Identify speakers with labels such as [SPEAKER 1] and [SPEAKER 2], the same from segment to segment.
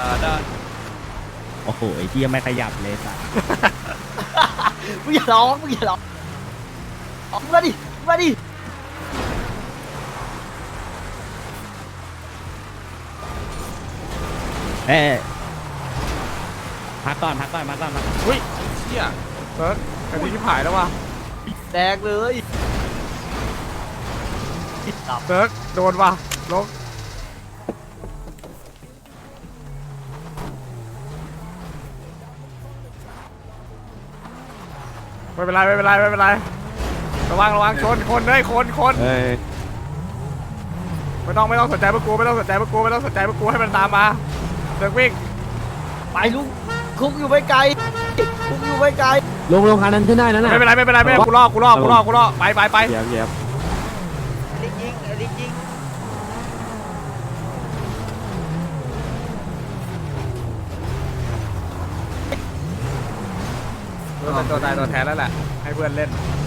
[SPEAKER 1] ได้
[SPEAKER 2] โอ้โหไอ้เหี้ยไม่ขยับเลยสัส
[SPEAKER 3] มึงอย่าร้องมึงอย่าร้องออกมาดิมาดิ
[SPEAKER 2] เอ้ยพักก่อนพักก่อนพักก่อนพักก่อน
[SPEAKER 1] อุ้ยเชี่ย
[SPEAKER 4] เซิร์ชอันนี้ที่ผายแล้วว่ะ
[SPEAKER 3] แดกเลย
[SPEAKER 4] เซิร์ชโดนว่ะลงไม่เป็นไรไม่เป็นไรไม่เป็นไรระวังระวังชนคนเลยคน
[SPEAKER 2] เอ้ย
[SPEAKER 4] ไม่ต้องสนใจพวกกูไม่ต้องสนใจพวกกูไม่ต้องสนใจพวกกูให้มันตามมาเซิร์ชวิ่ง
[SPEAKER 3] ไปลุงคุกอยู่ไม่ไกลคุกอยู่ไม่ไกล
[SPEAKER 5] ลงคันนั้นขึ้นได้นั่นน่ะ
[SPEAKER 4] ไม่เป็นไรไม่เป็นไรไม่เป็นไรกูรอไป
[SPEAKER 2] เดี๋ยว
[SPEAKER 3] ลิงยิงลิงยิง
[SPEAKER 4] เป็นตัวตายตัวแทนแล้วแหละให้เพื่อนเล่น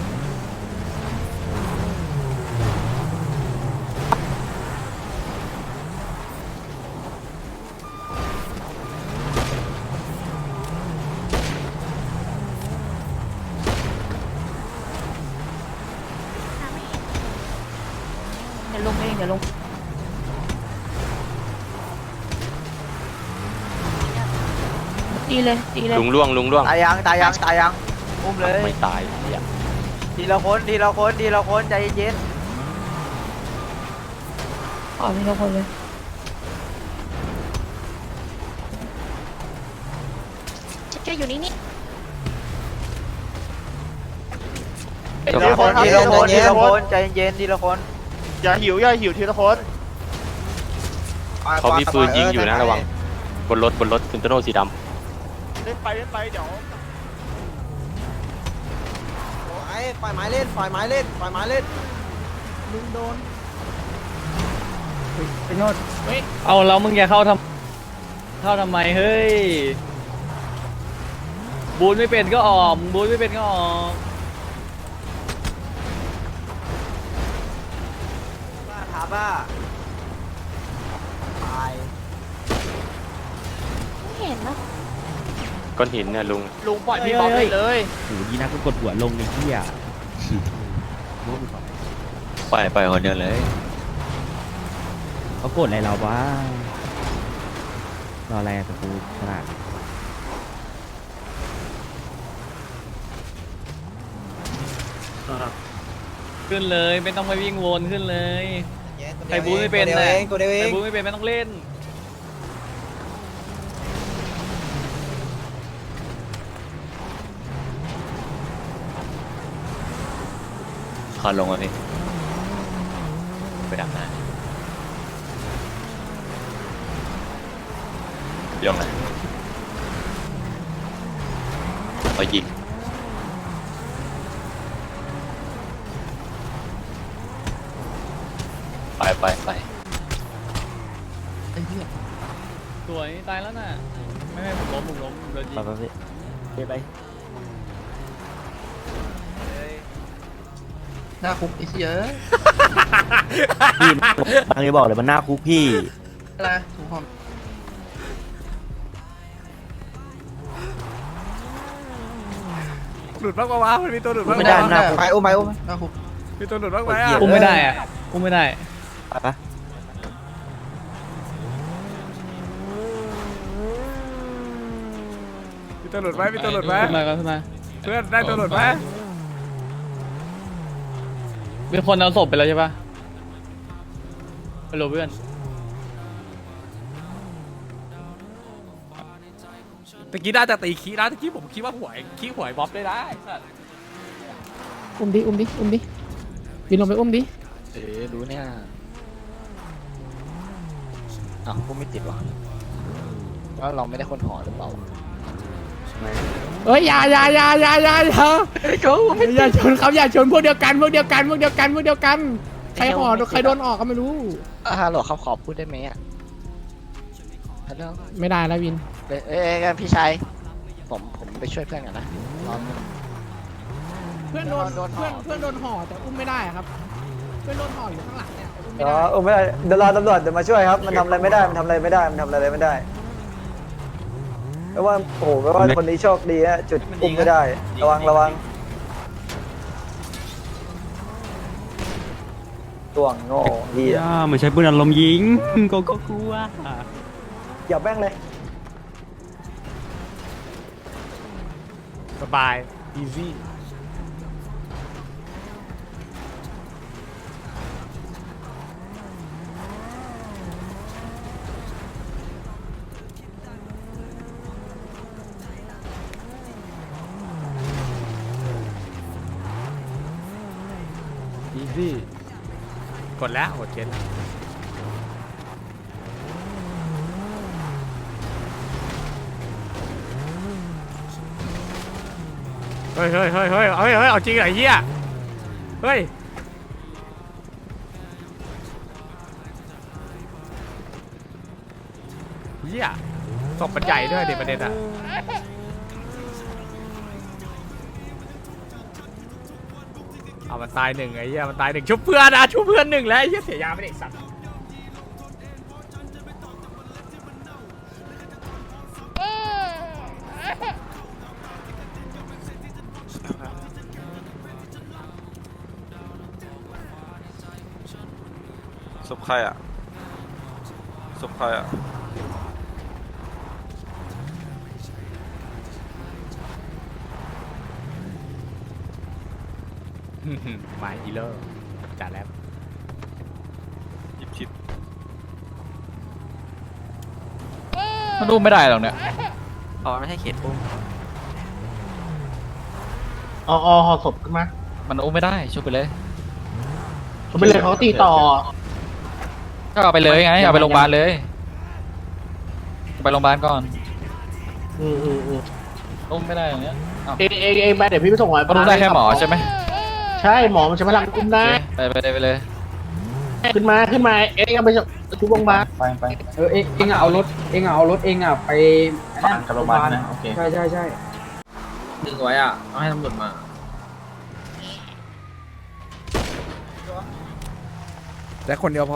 [SPEAKER 6] เดี๋ยวลงเองเดี๋ยวลงตีเลยตีเลย
[SPEAKER 1] ลุงล่วง
[SPEAKER 3] ตายยังอุ้มเลย
[SPEAKER 1] ไม่ตายเนี่ย
[SPEAKER 3] ทีละคนใจเย็น
[SPEAKER 6] ขอมีทุกคนเลยจะอยู่นี่นี่
[SPEAKER 3] ทีละคนใจเย็นทีละคน
[SPEAKER 7] อย่าหิวทีละคน
[SPEAKER 1] เขามีปืนยิงอยู่นะระวังบนรถคุณโตโน่สีด
[SPEAKER 7] เล่นไปเดี๋ยว
[SPEAKER 3] ฝ่ายไม้เล่นลุงโดน
[SPEAKER 2] เอาแล้วมึงจะเข้าทำไมเฮ้ยบูนไม่เป็นก็ออกบูนไม่เป็นก็ออก
[SPEAKER 3] บ้าถามบ้าตาย
[SPEAKER 6] ไม่เห็นนะ
[SPEAKER 1] ำก้อนหินเนี่ยลุง
[SPEAKER 7] ลุงปล่อยพี่บอลได้เลย
[SPEAKER 2] โอ้โหดีนะกูกดหัวลงในเหี้ย
[SPEAKER 1] ไปคนเดียวเลย
[SPEAKER 2] เขากดอะไรเราวะรออะไรอะแต่กูขนาดขึ้นเลยไม่ต้องไปวิ่งวนขึ้นเลยใครบูไม่เป็นนะใครบูไม่เป็นไม่ต้องเล่น
[SPEAKER 1] พาลงอ่ะพี่ไปดักหน้าย่องนะไปยิงไป
[SPEAKER 2] สวยตายแล้วน่ะไม่ผมล้มโดนยิง
[SPEAKER 3] ไป
[SPEAKER 5] หน้าคุกไอ้เหี้ย
[SPEAKER 3] พี่บางทีบอกเลยมันหน้าคุกพี่
[SPEAKER 5] อะไรถูกความ
[SPEAKER 4] หลุดบ้างปะวะมันมีตัวหลุดบ้าง
[SPEAKER 3] ไม่ได้
[SPEAKER 4] ปะ
[SPEAKER 3] หน้าคุกไปอุ้ม
[SPEAKER 5] หน้าคุก
[SPEAKER 4] มีตัวหลุดบ้างไหม
[SPEAKER 2] อุ้มไม่ได้อะอุ้มไม่ได้
[SPEAKER 3] ปะ
[SPEAKER 4] มีตัวหลุดไหมมีตัวหลุดไหม
[SPEAKER 2] ขึ้นมาก็ขึ้นมา
[SPEAKER 4] เพื่อนได้ตัวหลุดไหม
[SPEAKER 2] มีคนเอาศพไปแล้วใช่ปะฮัลโหลเพื่อน
[SPEAKER 4] ตะกี้น่าจะตีขี้นะตะกี้ผมคิดว่าหวยขี้หวยบ๊อบได้สัตว์
[SPEAKER 5] อุ้มดิบินลงไปอุ้มดิ
[SPEAKER 1] รู้เนี่ยอ้าวกูไม่ติดวะว่าเราไม่ได้คนหอหรือเปล่า
[SPEAKER 5] เอ้ยอย่าชนครับอย่าชนพวกเดียวกันใครห่อใครโดนออกก็ไม่รู้
[SPEAKER 1] ฮัลโหลเขาขอพูดได้ไหมอ่ะฮัลโหล
[SPEAKER 5] ไม่ได้แล้ววิน
[SPEAKER 1] พี่ชายผมไปช่วยเพื่อนกันนะรอ
[SPEAKER 5] เพื่อนโดนห่อแต่อุ้มไม่ได้ครับเพื่อนโดนห่ออยู่ข้างหลังเนี่ย
[SPEAKER 3] อุ้มไม่ได้เดี๋ยวรอตำรวจเดี๋ยวมาช่วยครับมันทำอะไรไม่ได้ไม่ว่าโอ้โหไม่ว่าคนนี้โชคดีฮะจุดอุ้มไม่ได้ระวังต่วงโง่เหี้ย
[SPEAKER 8] ไม่ใช่ปืนอารมณ์ยิงก็กลัว
[SPEAKER 3] อย่าแบ่งเลย
[SPEAKER 4] สบาย easy กดแล้วกดเจ็ดแล้วเฮ้ยเอาจริงเหรอไอ้เหี้ยเฮ้ยเหี้ยศพมันใหญ่ด้วยเด็ประเด็นอะเอามันตายหนึ่งไอ้เหี้ยมันตายหนึ่งชุบเพื่อนนะชุบเพื่อนหนึ่งแล้วไอ้เหี้ยเสียยาไม่ได้สัตว์
[SPEAKER 9] ศพใครอ่ะศพใครอ่ะ
[SPEAKER 4] มาฮีโร่จ่าแรป
[SPEAKER 9] หยิบชิด
[SPEAKER 2] มันอุ้มไม่ได้หรอกเนี่ย
[SPEAKER 1] อ๋อไม่ให้เขตอุ้ม
[SPEAKER 7] ห่อศพขึ้นมา
[SPEAKER 2] มันอุ้มไม่ได้ชุบไปเลย
[SPEAKER 7] ผมไปเลยเขาตีต่อ
[SPEAKER 2] ก็เอาไปเลยไงเอาไปโรงพยาบาลเลยไปโรงพยาบาลก่อนอุ้มไม่ได้อย่างเงี้ย
[SPEAKER 7] เองไปเดี๋ยวพี่ไปส่งไว้
[SPEAKER 2] มันอุ้มได้แค่หมอใช่ไหม
[SPEAKER 7] ใช่หมอมันใช้พลังอุ้มได้
[SPEAKER 2] ไปเลย
[SPEAKER 7] ขึ้นมาเองเอาไปทุบลงมา
[SPEAKER 5] เองเอารถเองไปกับโรงพยาบาลนะโอเคใช่
[SPEAKER 3] ดึงไว้อ่ะต้องให้ตำรวจมา
[SPEAKER 4] แต่คนเดียวพอ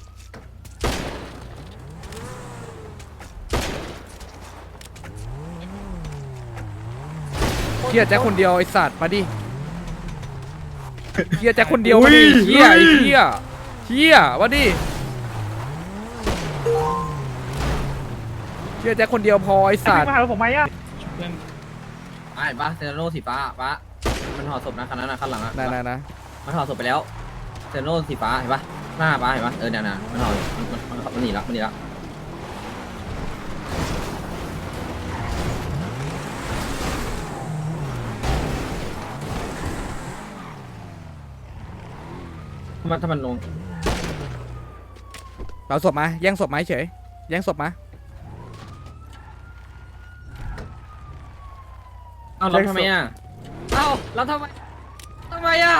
[SPEAKER 4] เฮียแจ็คคนเดียวไอสัตว์มาดิเฮียแจ็คคนเดียวมาดิเฮียไอ้เฮียมาดิเฮียแจ็คคนเดียวพอไอสัตว์
[SPEAKER 7] มาหาผมไหมอ่ะ
[SPEAKER 3] ไอ้ป้าเซนโนสีฟ้าป้ามันห่อศพนะคันนั้นนะคันหลังอะ
[SPEAKER 4] นะ
[SPEAKER 3] มันห่อศพไปแล้วเซนโนสีฟ้าเห็นปะหน้าป้าเห็นปะเนี่ยมันห่อมันหนีแล้วถ้ามันลง
[SPEAKER 4] เอาศพมาแย่งศพมาเฉยแย่งศพมา
[SPEAKER 3] เอาแล้วทำไมอ่ะเอาแล้วทำไมอ่ะ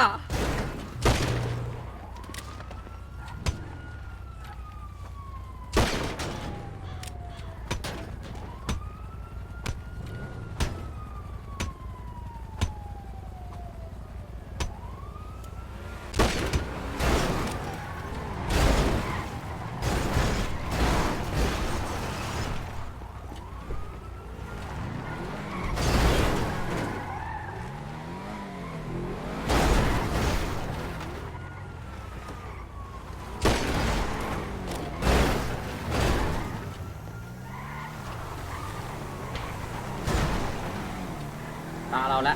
[SPEAKER 3] ตาเราแล้ว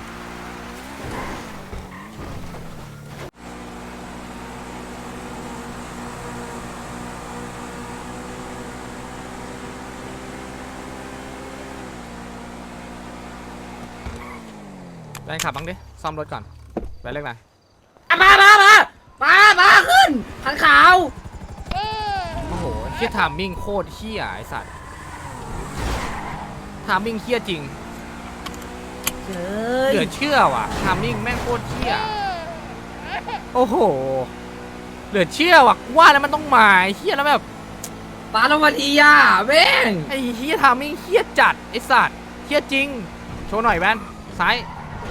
[SPEAKER 4] แรงขับบ้างดิซ่อมรถก่อนไปเรื่องอะไร
[SPEAKER 3] มาขึ้นขันขาว
[SPEAKER 4] โอ้โหเฮียทามมิ่งโคตรเฮียไอสัตว์ทามมิ่งเฮียจริงเหลือเชื่อว่ะทามมิ่งแม่งโคตรเฮียโอ้โหเหลือเชื่อว่ะว่าแล้วมันต้องมาไอ้เฮียแล้วแบบ
[SPEAKER 3] ตาเรามาทีอ่ะเบ้ง
[SPEAKER 4] ไอ้เฮียทามมิ่งเฮียจัดไอสัตว์เฮียจริงโชว์หน่อยแบนซ้าย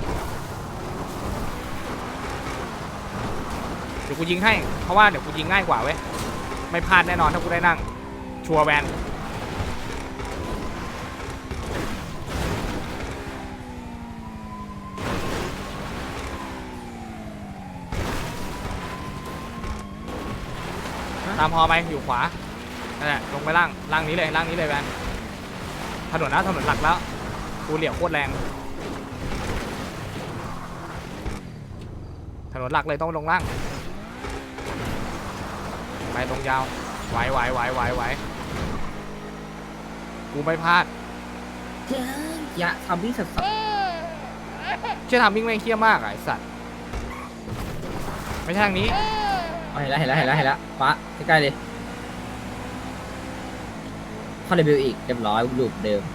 [SPEAKER 4] เดี๋ยวกูยิงให้เพราะว่าเดี๋ยวกูยิงง่ายกว่าเว้ยไม่พลาดแน่นอนถ้ากูได้นั่งชัวร์แวนตามฮอไปอยู่ขวานั่นแหละลงไปล่างนี้เลยแวนถนนนะถนนหลักแล้วกูเหลี่ยวโคตรแรงถนนหลักเลยต้องลงล่างไปตรงยาวไหวกูไม่พลาด
[SPEAKER 3] อย่าทำวิ่งสัตว์
[SPEAKER 4] เชื่อทำวิ่งแม่งเคี้ยมากอะไอสัตว์ไม่ใช่ทางนี้
[SPEAKER 3] เห็นแล้วฟ้าใกล้ๆเลยเข้าเรเบลอีกเรียบร้อยลูปเดิม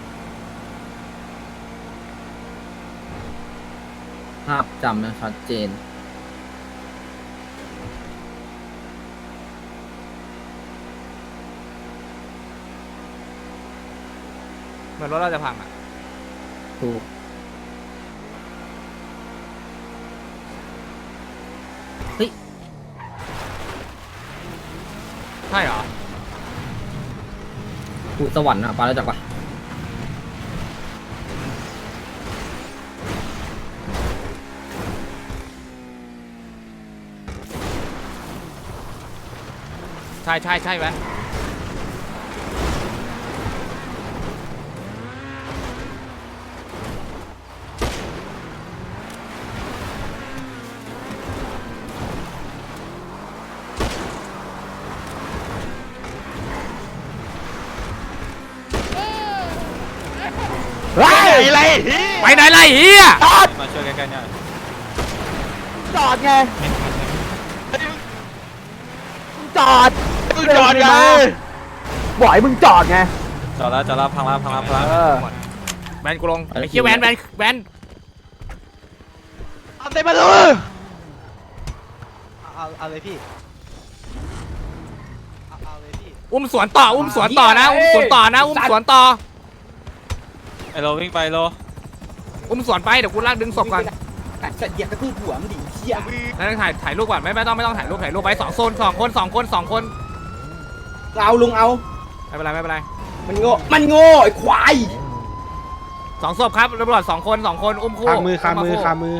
[SPEAKER 3] ภาพจำนะชัดเจน
[SPEAKER 4] เหมือนรถเราจะพังอะ
[SPEAKER 3] ถูก
[SPEAKER 4] ใช่เหรอ
[SPEAKER 3] ถูกสวรรค์อะปาแล้วจักปะ
[SPEAKER 4] ใช่แวนไปไหนไรเฮีย
[SPEAKER 9] มาช่วยใกล้ๆหน่อย
[SPEAKER 3] จอดไงจอดไงบ่อยมึงจอดไง
[SPEAKER 9] จอดแล้วพังแล้ว
[SPEAKER 4] แวนกูลงไอ้เคี้ยแวน
[SPEAKER 3] เอาเต็มมาเลยเอาเลยพี่เอาเลยพี่
[SPEAKER 4] อุ้มสวนต่อนะอุ้มสวนต่อ
[SPEAKER 9] ไอโลวิ่งไปโล
[SPEAKER 4] อุ้มสวนไปเดี๋ยวกูลากดึงศพก่อน
[SPEAKER 3] แต่เหยียบกระทืบหัวมันดิเหี้ย
[SPEAKER 4] แล้วถ่ายรูปก่อนไม่ต้องถ่ายรูปไป2 โซน2 คน
[SPEAKER 3] เอาลุงเอา
[SPEAKER 4] ไม่เป็นไร
[SPEAKER 3] มันโง่ไอ้ควาย
[SPEAKER 4] 2 ศพครับตำรวจ2 คนอุ้มคู่
[SPEAKER 7] คามือ
[SPEAKER 3] โอ้คามือ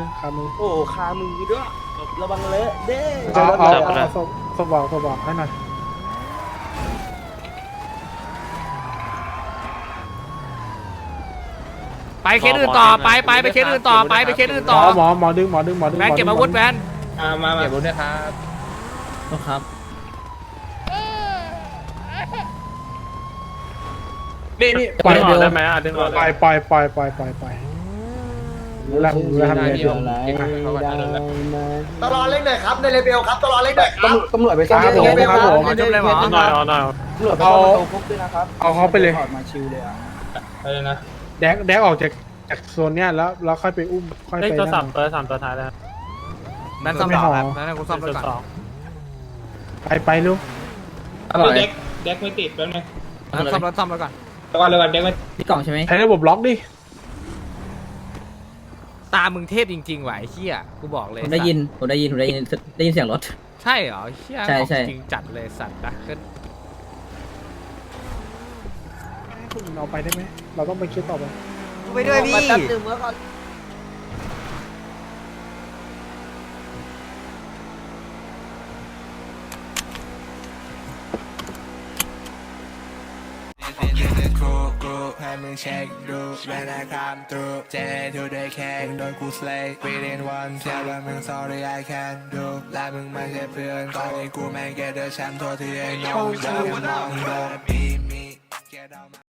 [SPEAKER 3] ด้วยระวังเลอะเด้
[SPEAKER 7] เอาสบอกให้หน่อย
[SPEAKER 4] ไปเคสอื่นต่อไปเคสอื่นต่อ
[SPEAKER 7] หมอดึง
[SPEAKER 4] แวนเก็บอาวุธแวน
[SPEAKER 3] มาเก็บอาวุธด้วยครับครับ
[SPEAKER 7] นี่ปล่อยได้ไหมดึงปล่อยรู้แล้วทำไงดี
[SPEAKER 3] ตลอดเล็กหน่อยครับในเลเวลครับตลอดเล็กหน่อยครับตำรวจไปซ่อม
[SPEAKER 4] ครับผมมาจุ๊บเลยหมอ
[SPEAKER 7] หน่อย
[SPEAKER 3] ตำรวจไปซ่อมประตูคุกด้วยนะครับ
[SPEAKER 7] เอาเขาไปเลย
[SPEAKER 3] ถอดมาชิวเลยอ่ะ
[SPEAKER 7] อะไรนะแดกออกจากโซนเนี้ยแล้วค่อยไปอุ้มค่อยไปตัว3ตัวท้ายแล้ว
[SPEAKER 4] แวนซ่อมต่อครับแวนกูซ่อมรถก่อน
[SPEAKER 7] ไปลูก
[SPEAKER 5] แดกไม่ติดแป๊บนึง
[SPEAKER 4] ซ่อมรถก่อน
[SPEAKER 5] แดกไม่
[SPEAKER 3] ที่กล่องใช่ไหม
[SPEAKER 7] ใช้ระบบล็อกดิ
[SPEAKER 4] ตามึงเทพจริงๆว่ะไอ้เหี้ยกูบอกเลย
[SPEAKER 3] ผมได้ยินเสียงรถ
[SPEAKER 4] ใช่เหรอเหี้ย
[SPEAKER 3] ใช่
[SPEAKER 4] จริงจัดเลยสัตว์นะขึ้น
[SPEAKER 7] เอาไปได้ไหมเราต้องไปคิดต่อไป
[SPEAKER 3] ไปด้วยพี่
[SPEAKER 10] ให้มึงเช็คดูเวลาคำตรูเจทูได้แค่โดนกูสเลย์ within one เชื่อว่ามึง sorry I can do และมึงไม่ใช่เพื่อนตอนนี้กูแม่ง get the champ โทษที่ไอ้น้องเดินมองโดนบีมี